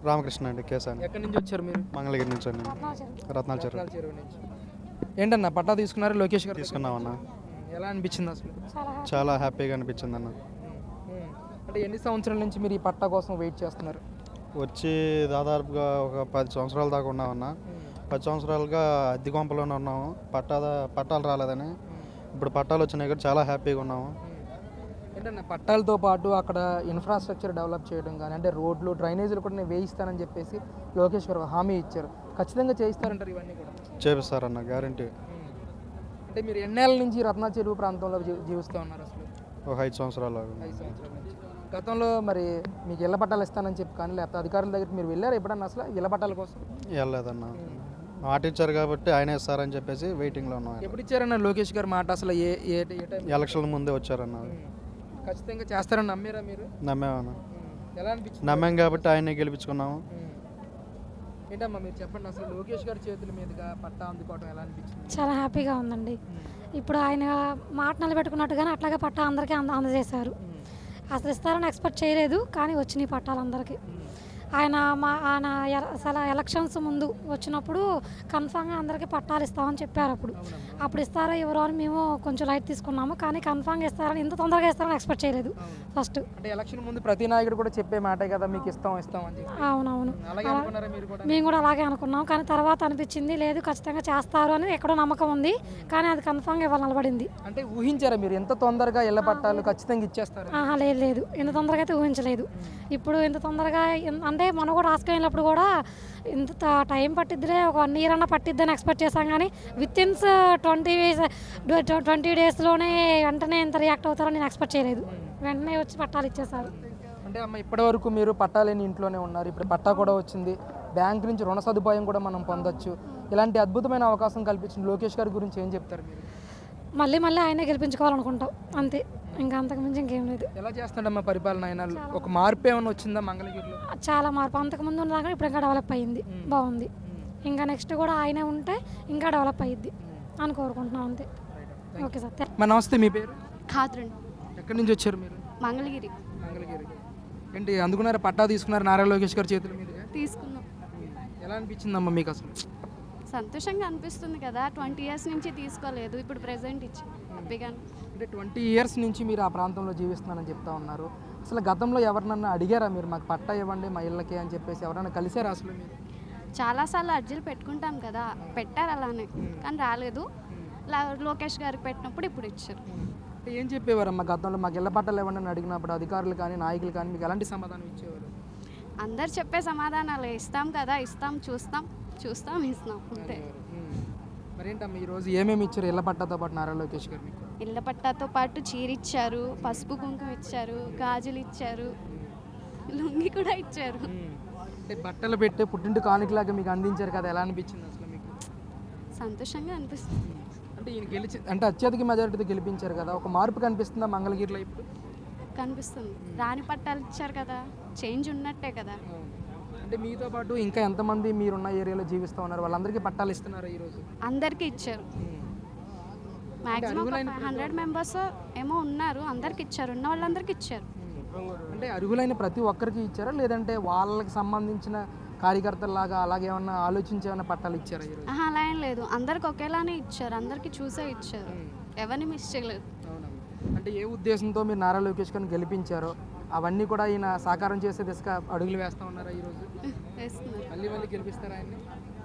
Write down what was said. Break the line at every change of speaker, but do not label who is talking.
రామకృష్ణ అండి, కేసాని.
ఎక్కడి నుంచి వచ్చారు మీరు?
మంగళగిరి నుంచి అండి. రత్నాల చెరువు
రత్నాల చెరువు నుంచి. ఏంటన్నా పట్టా తీసుకున్నారు లోకేష్ గారు?
తీసుకున్నామన్న.
ఎలా అనిపించింది అసలు?
చాలా హ్యాపీగా అనిపించింది అన్న.
అంటే ఎన్ని సంవత్సరాల నుంచి మీరు ఈ పట్టా కోసం వెయిట్ చేస్తున్నారు?
వచ్చి దాదాపుగా ఒక 10 సంవత్సరాల దాకా ఉన్నామన్న. 10 సంవత్సరాలుగా అద్దె కొంపలోనే ఉన్నాము. పట్టాలు రాలేదని. ఇప్పుడు పట్టాలు వచ్చినాయి కూడా చాలా హ్యాపీగా ఉన్నాము.
ఏంటన్నా పట్టాలతో పాటు అక్కడ ఇన్ఫ్రాస్ట్రక్చర్ డెవలప్ చేయడం కానీ, అంటే రోడ్లు డ్రైనేజీలు కూడా నేను వేయిస్తానని చెప్పేసి లోకేష్ గారు హామీ ఇచ్చారు. ఖచ్చితంగా చేయిస్తారంటారు ఇవన్నీ కూడా?
చేపిస్తారన్న, గ్యారంటీ.
అంటే మీరు ఎన్నేళ్ళ నుంచి రత్నా చెరువు ప్రాంతంలో జీవిస్తూ ఉన్నారు అసలు?
ఒక 5 సంవత్సరాలు.
5 సంవత్సరాల నుంచి. గతంలో మరి మీకు ఇళ్ల పట్టాలు ఇస్తానని చెప్పి కానీ, లేకపోతే అధికారుల దగ్గరికి మీరు వెళ్ళారు ఎప్పుడన్నా అసలు ఇళ్ల పట్టాల కోసం?
వెళ్ళలేదన్న. మాట ఇచ్చారు కాబట్టి ఆయన ఇస్తారని చెప్పేసి వెయిటింగ్లో ఉన్నాం.
ఎప్పుడు ఇచ్చారన్న లోకేష్ గారు మాట? అసలు ఏ ఏ టైం?
ఎలక్షన్ల ముందే వచ్చారన్న.
ఖచ్చితంగా చేస్తారని నమ్మారా మీరు?
నమ్మామన్న.
ఎలా అనిపించింది?
నమ్మాం కాబట్టి ఆయనే గెలిపించుకున్నాము.
ఏంటమ్మా మీరు చెప్పండి, అసలు లోకేష్ గారి చేతుల మీదుగా పట్టా అందుకోవడం ఎలా అనిపించింది?
చాలా హ్యాపీగా ఉందండి. ఇప్పుడు ఆయన మాట నిలబెట్టుకున్నట్టుగానే అట్లాగే పట్టా అందరికీ అందజేశారు. అసలు ఇస్తారని ఎక్స్పెక్ట్ చేయలేదు, కానీ వచ్చినాయి పట్టాలు అందరికీ. ఆయన అసలు ఎలక్షన్స్ ముందు వచ్చినప్పుడు కన్ఫామ్గా అందరికీ పట్టాలు ఇస్తామని చెప్పారు. అప్పుడు ఇస్తారో ఎవరో అని మేము కొంచెం లైట్ తీసుకున్నాము, కానీ కన్ఫామ్గా ఇస్తారని ఇంత తొందరగా ఇస్తారని ఎక్స్పెక్ట్ చేయలేదు ఫస్ట్.
అంటే ఎలక్షన్ ముందు ప్రతి నాయకుడు కూడా చెప్పే మాటే కదా, మీకు ఇస్తాం అని.
అవునవును, మేము కూడా అలాగే అనుకున్నాం. కానీ తర్వాత అనిపించింది లేదు, ఖచ్చితంగా చేస్తారు అని ఎక్కడో నమ్మకం ఉంది, కానీ అది కన్ఫామ్గా ఇవాళ నిలబడింది.
అంటే ఊహించారా మీరు ఎంత తొందరగా ఇళ్ల పట్టాలు ఖచ్చితంగా ఇచ్చేస్తారు?
లేదు, ఇంత తొందరగా అయితే ఊహించలేదు. ఇప్పుడు ఇంత తొందరగా అంటే మనం కూడా రాసుకు వెళ్ళినప్పుడు కూడా ఇంత టైం పట్టిద్దిలే, ఒక 1 year అన్న పట్టిద్దని ఎక్స్పెక్ట్ చేశాం, కానీ వితిన్ 20 daysలోనే వెంటనే ఇంత రియాక్ట్ అవుతారని నేను ఎక్స్పెక్ట్ చేయలేదు. వెంటనే వచ్చి పట్టాలు ఇచ్చేసారు.
అంటే అమ్మ ఇప్పటి వరకు మీరు పట్టాలేని ఇంట్లోనే ఉన్నారు, ఇప్పుడు పట్టా కూడా వచ్చింది, బ్యాంక్ నుంచి రుణ సదుపాయం కూడా మనం పొందొచ్చు. ఇలాంటి అద్భుతమైన అవకాశం కల్పించిన లోకేష్ గారి గురించి ఏం చెప్తారు మీరు?
మళ్ళీ ఆయనే గెలిపించుకోవాలనుకుంటాం అంతే, ఇంకా అంతకుమించి ఇంకేం లేదు.
ఎలా చేస్తాడమ్మా పరిపాలన? ఆయన ఒక మార్పు ఏమైనా వచ్చిందా మంగళగిరిలో?
చాలా మార్పు, అంతకుముందు ఉన్నా కానీ ఇప్పుడు ఇంకా డెవలప్ అయ్యింది, బాగుంది. ఇంకా నెక్స్ట్ కూడా ఆయనే ఉంటే ఇంకా డెవలప్ అయ్యిద్ది అని కోరుకుంటున్నాం అంతే. Okay sir.
నమస్తే, మీ పేరు?
ఖాద్రన్.
ఎక్కడి నుంచి వచ్చారు మీరు?
మంగళగిరి.
ఏంటి అందుకున్నారు పట్టా తీసుకున్నారు నారా లోకేష్ గారి చేతుల మీదుగా?
తీసుకున్నాం.
ఎలా అనిపించిందమ్మా మీకు అసలు?
సంతోషంగా అనిపిస్తుంది కదా, 20 years నుంచి తీసుకోలేదు, ఇప్పుడు ప్రెజెంట్ ఇచ్చి హ్యాపీగా.
అంటే 20 years నుంచి మీరు ఆ ప్రాంతంలో జీవిస్తున్నానని చెప్తా ఉన్నారు. అసలు గతంలో ఎవరినన్నా అడిగారా మీరు మాకు పట్టా ఇవ్వండి మా ఇళ్ళకి అని చెప్పేసి? ఎవరైనా కలిసారా అసలు మీరు?
చాలాసార్లు అర్జీలు పెట్టుకుంటాం కదా, పెట్టారు అలానే, కానీ రాలేదు. లోకేష్ గారికి పెట్టినప్పుడు ఇప్పుడు ఇచ్చారు.
అంటే ఏం చెప్పేవారమ్మా గతంలో మాకు ఇళ్ళ పట్టాలు ఇవ్వండి అని అడిగినప్పుడు అధికారులు కానీ నాయకులు కానీ మీకు ఎలాంటి సమాధానం ఇచ్చేవారు?
అందరు చెప్పే సమాధానాలు ఇస్తాం కదా, ఇస్తాం, చూస్తాం ఇస్తాం అంతే.
మరేంటమ్మా ఈరోజు ఏమేమి ఇచ్చారు ఇళ్ళ పట్టాతో పాటు నారా లోకేష్ గారు మీకు?
ఇళ్ళ పట్టాతో పాటు చీర ఇచ్చారు, పసుపు కుంకుమ ఇచ్చారు, గాజులు ఇచ్చారు, లుంగి కూడా ఇచ్చారు.
అంటే బట్టలు పెట్టే పుట్టింటి కానుకలాగా మీకు అందించారు కదా, ఎలా అనిపించింది అసలు మీకు?
సంతోషంగా అనిపిస్తుంది.
అంటే ఈయన అంటే అత్యధిక మెజారిటీతో గెలిపించారు కదా, ఒక మార్పు కనిపిస్తుందా మంగళగిరిలో ఇప్పుడు?
కనిపిస్తుంది. రాని పట్టాలు ఇచ్చారు కదా, చేంజ్ ఉన్నట్టే కదా.
అంటే మీతో పాటు ఇంకా ఎంతమంది మీరున్న ఏరియాలో జీవిస్తూ ఉన్నారు, వాళ్ళందరికీ పట్టాలు ఇస్తున్నారా ఈరోజు?
అందరికీ ఇచ్చారు. మ్యాక్సిమం 100 members ఏమో ఉన్నారు, అందరికి ఇచ్చారు, ఉన్న వాళ్ళందరికీ ఇచ్చారు.
అంటే అర్హులైన ప్రతి ఒక్కరికి ఇచ్చారా, లేదంటే వాళ్ళకి సంబంధించిన కార్యకర్తలాగా అలాగే ఏమన్నా ఆలోచించి ఏమైనా పట్టాలు ఇచ్చారా ఈరోజు?
అలా ఏం లేదు, అందరికి ఒకేలానే ఇచ్చారు, అందరికీ చూసే ఇచ్చారు, ఎవరిని మిస్ చేయలేదు.
అంటే ఏ ఉద్దేశంతో మీరు నారా లోకేష్ గారిని గెలిపించారో అవన్నీ కూడా ఈయన సాకారం చేసే దిశగా అడుగులు వేస్తూ ఉన్నారా ఈరోజు?
వేస్తున్నారు.
మళ్ళీ గెలిపిస్తారా ఆయన్ని?